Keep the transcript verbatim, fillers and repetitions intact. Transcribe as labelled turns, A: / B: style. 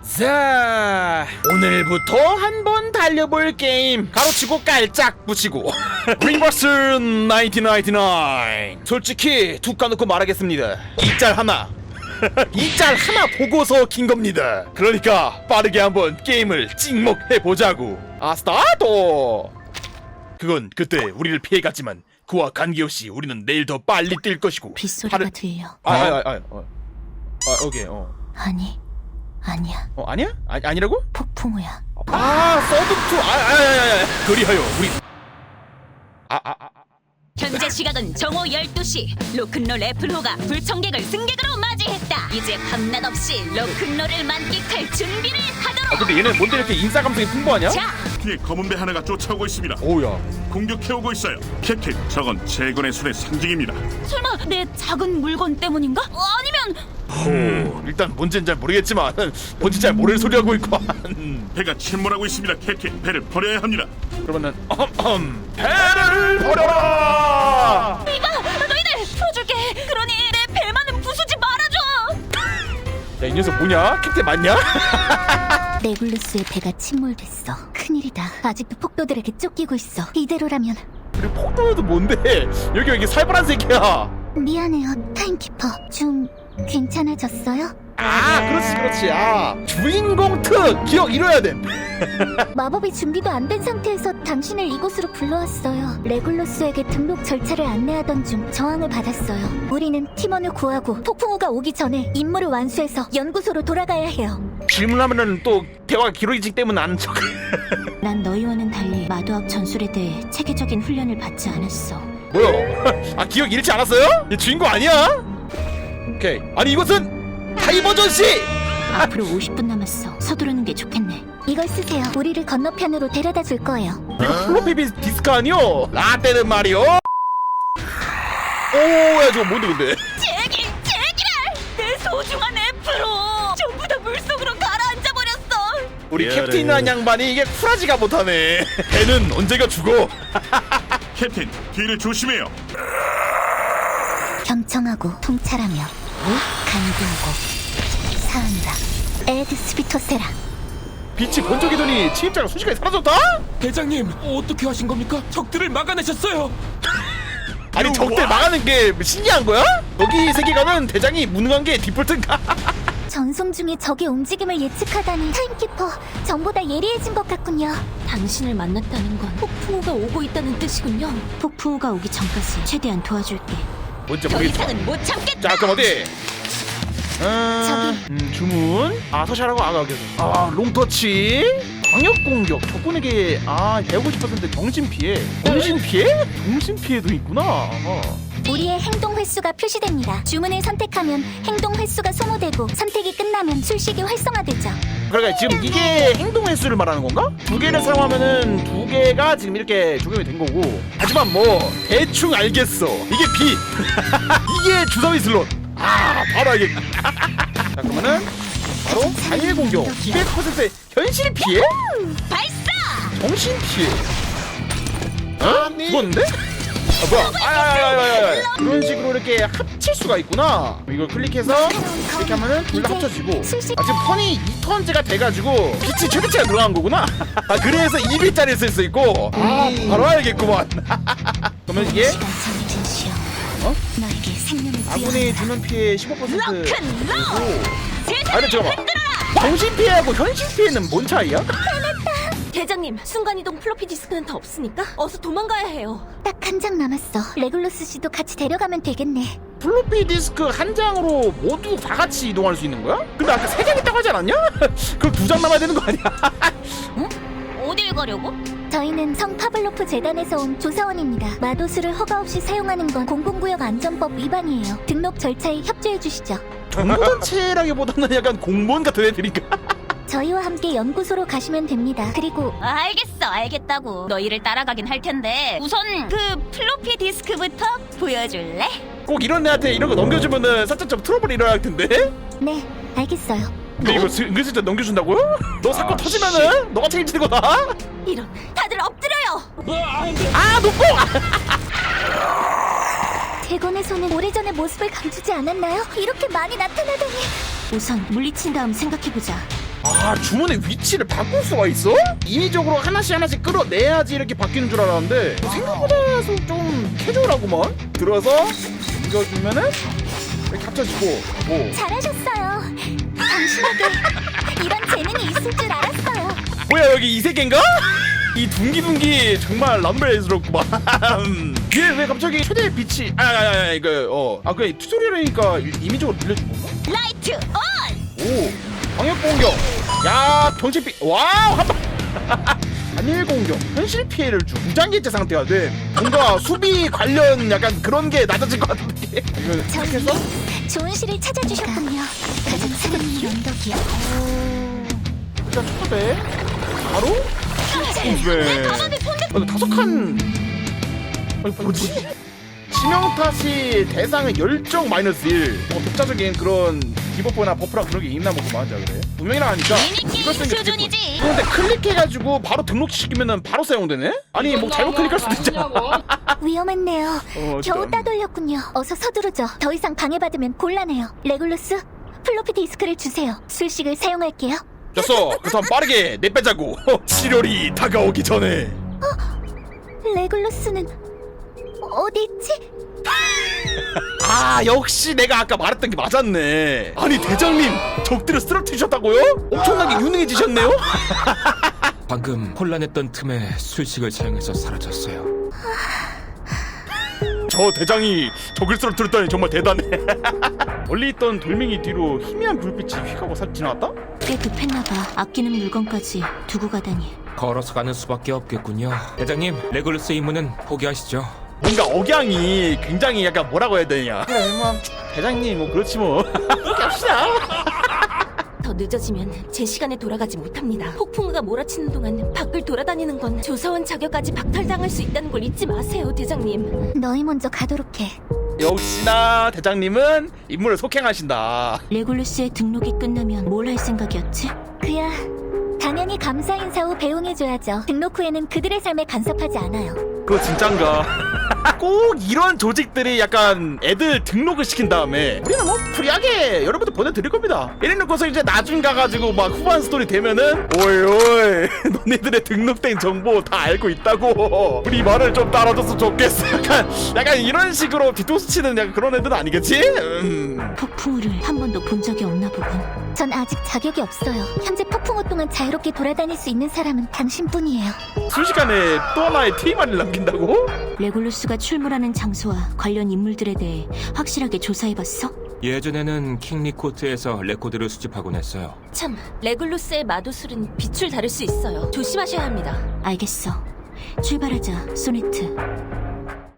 A: 자, 오늘부터 한번 달려볼 게임 가로치고 깔짝 붙이고 링버스 천구백구십구. 솔직히 툭 까놓고 말하겠습니다. 이 짤 하나 이 짤 하나 보고서 킨 겁니다. 그러니까 빠르게 한번 게임을 찍먹해보자고. 아, 스타트! 그건 그때 우리를 피해갔지만 그와 관계없이 우리는 내일 더 빨리 뛸 것이고.
B: 빗소리가
A: 다른-
B: 들려.
A: 아, 아, 아, 아, 어. 아, 오케이, 어.
B: 아니, 아니야.
A: 어, 아니야? 아, 아니라고?
B: 폭풍우야.
A: 아, 서든투. 아, 아, 아, 아, 아. 그리하여 우리 아, 아, 아.
C: 현재 시각은 정오 열두 시. 로큰롤 애플호가 불청객을 승객으로 맞이했다. 이제 밤낮 없이 로큰롤을 만끽할 준비를
A: 아,
C: 하도록.
A: 근데 얘는 뭔데 이렇게 인싸 감성이 풍부하냐?
C: 자,
D: 뒤에 검은 배 하나가 쫓아오고 있습니다.
A: 오우야.
D: 공격해오고 있어요. 캡틴, 저건 재건의 손의 상징입니다.
C: 설마 내 작은 물건 때문인가? 아니면
A: 오, 일단 뭔지는 잘 모르겠지만 뭔지 잘 모르는 소리 하고 있고.
D: 배가 침몰하고 있습니다. 캡틴, 배를 버려야 합니다.
A: 그러면은 어흠, 배를 버려라.
C: 이봐, 너희들 풀어줄게. 그러니 내 배만은 부수지 말아줘.
A: 야, 이 녀석 뭐냐? 캡틴 맞냐?
B: 레굴루스의 배가 침몰됐어. 큰일이다. 아직도 폭도들에게 쫓기고 있어. 이대로라면.
A: 그리고 폭도여도 뭔데? 여기 여기 살벌한 새끼야.
B: 미안해요, 타임키퍼. 좀 괜찮아졌어요?
A: 아, 그렇지 그렇지. 아, 주인공 특 기억 잃어야 돼.
B: 마법이 준비도 안 된 상태에서 당신을 이곳으로 불러왔어요. 레굴루스에게 등록 절차를 안내하던 중 저항을 받았어요. 우리는 팀원을 구하고 폭풍우가 오기 전에 임무를 완수해서 연구소로 돌아가야 해요.
A: 질문하면은 또 대화가 길어지기 때문에 안 척.
B: 난 너희와는 달리 마도학 전술에 대해 체계적인 훈련을 받지 않았어.
A: 뭐야? 아, 기억 잃지 않았어요? 얘 주인공 아니야? 오케이. 아니 이것은 다이버전 씨.
B: 앞으로 오십 분 남았어. 서두르는 게 좋겠네. 이걸 쓰세요. 우리를 건너편으로 데려다 줄 거예요.
A: 이거 플로피 디스크 아니요? 라떼는 말이요. 오야, 저거 뭔데 근데?
C: 제길, 제길아! 내 소중한 애플호 전부 다 물속으로 가라앉아 버렸어.
A: 우리
D: 미안해.
A: 캡틴이라는 양반이 이게 쿨하지가 못하네. 걔는 언제가 죽어?
D: 캡틴, 뒤를 조심해요.
B: 경청하고 통찰하며 간구하고 사한다. 에드 스피토세라.
A: 빛이 번쩍이더니 침입자가 순식간에 사라졌다?
E: 대장님, 어떻게 하신 겁니까? 적들을 막아내셨어요.
A: 아니 적들 막아낸 게 신기한 거야? 여기 세계관은 대장이 무능한 게 디폴트인가?
B: 전송 중에 적의 움직임을 예측하다니. 타임키퍼, 전보다 예리해진 것 같군요. 당신을 만났다는 건 폭풍우가 오고 있다는 뜻이군요. 폭풍우가 오기 전까지 최대한 도와줄게.
A: 뭔지
C: 더
A: 모르겠어.
C: 이상은 못 참겠다.
A: 자, 그럼 어디? 음,
B: 저기.
A: 음, 주문. 아, 서시하라고 아가 여기. 아, 롱터치. 광역 공격. 적군에게 아 백오십 퍼센트 정신 피해. 정신 피해? 정신 피해도 있구나. 어.
B: 우리의 행동 횟수가 표시됩니다. 주문을 선택하면 행동 횟수가 소모되고 선택이 끝나면 술식이 활성화되죠.
A: 그러니까 지금 이게 행동 횟수를 말하는 건가? 두 개를 사용하면은 두 개가 지금 이렇게 적용이 된 거고. 하지만 뭐 대충 알겠어. 이게 B. 이게 주사위 슬롯. 아, 바로 알겠다. 자, 그러면은 바로 단일 공격. 이백 퍼센트 현실 피해?
C: 발사!
A: 정신 피해. 어? 죽었는데? 아, 뭐야? 아야야야야야. 그런 식으로 이렇게 합칠 수가 있구나. 이걸 클릭해서 이렇게 하면은 둘 다 합쳐지고. 아, 지금 턴이 이 턴째가 돼가지고 빛이 최대치가 늘어난 거구나. 아, 그래서 이 비짜리를 쓸 수 있고. 아, 바로 알겠구만. 그러면 이게
B: 시간 정해진 시험.
A: 어?
B: 너에게 생명을
A: 아군이
B: 부여한다.
A: 주는 피해 십오 퍼센트.
C: 로큰롤!
A: 아,
C: 세상을
A: 근데 잠깐만.
C: 흔들어라!
A: 정신 피해하고 현실 피해는 뭔 차이야?
C: 대장님, 순간이동 플로피 디스크는 더 없으니까 어서 도망가야 해요.
B: 딱 한 장 남았어. 레굴루스 씨도 같이 데려가면 되겠네.
A: 플로피 디스크 한 장으로 모두 다 같이 이동할 수 있는 거야? 근데 아까 세 장 있다고 하지 않았냐? 그럼 두 장 남아야 되는 거 아니야?
C: 어딜 가려고?
B: 저희는 성 파블로프 재단에서 온 조사원입니다. 마도수를 허가 없이 사용하는 건 공공구역 안전법 위반이에요. 등록 절차에 협조해 주시죠.
A: 정보단체라기보다는 약간 공무원 같은 애들인가?
B: 저희와 함께 연구소로 가시면 됩니다. 그리고
C: 알겠어, 알겠다고. 너희를 따라가긴 할 텐데 우선 그 플로피 디스크부터 보여줄래?
A: 꼭 이런 애한테 이런 거 넘겨주면은 살짝 좀 트러블이 일어날 텐데?
B: 네, 알겠어요.
A: 근데 이거 스- 은근슬쩍 넘겨준다고요? 너 사건 터지면은 너가 책임지는 거다?
C: 이런, 다들 엎드려요.
A: 아, 놓고!
B: 대건의 손은 오래전의 모습을 감추지 않았나요? 이렇게 많이 나타나다니. 우선 물리친 다음 생각해보자.
A: 아, 주문의 위치를 바꿀 수가 있어? 인위적으로 하나씩 하나씩 끌어내야지 이렇게 바뀌는 줄 알았는데 생각보다 좀 캐주얼하구만. 들어서 이겨주면은 이렇게 합쳐지고. 오.
B: 잘하셨어요. 당신에게 이런 재능이 있을 줄 알았어요.
A: 뭐야, 여기 이 세계인가? 이 둥기둥기 정말 람벨스럽구만. 얘 왜 갑자기 최대 빛이 아, 아, 아 이거 어아 그냥 튜토리얼이니까 임의적으로 빌려준 건가?
C: 라이트 온!
A: 오 방역 공격. 야 병치피. 와우 한방. 단일 공격. 현실 피해를 주. 무장기체 상태가 돼. 뭔가 수비 관련 약간 그런 게 낮아질 것 같은데. 이거
B: 저희
A: 했어?
B: 좋은 시를 찾아주셨군요. 가장 사랑하는 언덕이요.
A: 일단 초대. 바로. 왜? 아, 다섯 칸. 아니 뭐지? 치명타시 대상은 열정 마이너스 일. 뭐 독자적인 그런 디버프나 버프랑 그런 게 있나 뭐 맞아 그래. 두 명이랑 하니까
C: 미니게임
A: 이걸 쓰는 게
C: 수준이지.
A: 되게 꿀. 근데 클릭해가지고 바로 등록시키면은 바로 사용되네? 아니 뭐 잘못 클릭할 수도 있잖아.
B: 위험했네요.
A: 어,
B: 겨우
A: 진짜.
B: 따돌렸군요. 어서 서두르죠. 더 이상 방해받으면 곤란해요. 레굴루스, 플로피 디스크를 주세요. 술식을 사용할게요.
A: 됐어. 그 다음 빠르게 내 빼자고. 시련이 다가오기 전에.
B: 레굴루스는 어디 있지?
A: 아 역시 내가 아까 말했던 게 맞았네. 아니 대장님 적들을 쓰러뜨리셨다고요? 엄청나게 유능해지셨네요?
E: 방금 혼란했던 틈에 술식을 사용해서 사라졌어요.
A: 저 대장이 적을 쓰러뜨렸다니 정말 대단해. 멀리 있던 돌멩이 뒤로 희미한 불빛이 휙하고 사 지나갔다?
B: 꽤 급했나봐. 아끼는 물건까지 두고 가다니.
E: 걸어서 가는 수밖에 없겠군요. 대장님, 레굴루스 임무는 포기하시죠.
A: 뭔가 억양이 굉장히 약간 뭐라고 해야 되냐. 그래 뭐 대장님 뭐 그렇지 뭐. 그렇게 합시다.
F: 더 늦어지면 제 시간에 돌아가지 못합니다. 폭풍우가 몰아치는 동안 밖을 돌아다니는 건 조사원 자격까지 박탈당할 수 있다는 걸 잊지 마세요, 대장님.
B: 너희 먼저 가도록 해.
A: 역시나 대장님은 임무를 속행하신다.
B: 레굴루스의 등록이 끝나면 뭘 할 생각이었지? 그야 당연히 감사 인사 후 배웅해줘야죠. 등록 후에는 그들의 삶에 간섭하지 않아요.
A: 그거 진짠가? 꼭 이런 조직들이 약간 애들 등록을 시킨 다음에 우리는 뭐 프리하게 여러분들 보내드릴 겁니다. 이래놓고서 이제 나중 가가지고 막 후반 스토리 되면은 오이 오이 너네들의 등록된 정보 다 알고 있다고 우리 말을 좀 따라줬으면 좋겠어. 약간 약간 이런 식으로 뒤통수 치는 약간 그런 애들은 아니겠지? 음.
B: 폭풍우를 한 번도 본 적이 없나 보군. 전 아직 자격이 없어요. 현재 폭풍우 동안 자유롭게 돌아다닐 수 있는 사람은 당신뿐이에요.
A: 순식간에 또 하나의 티만을 남긴다고?
B: 레굴루스가 출몰하는 장소와 관련 인물들에 대해 확실하게 조사해봤어?
E: 예전에는 킹리코트에서 레코드를 수집하곤 했어요.
F: 참, 레굴루스의 마도술은 빛을 다룰 수 있어요. 조심하셔야 합니다.
B: 알겠어. 출발하자, 소네트.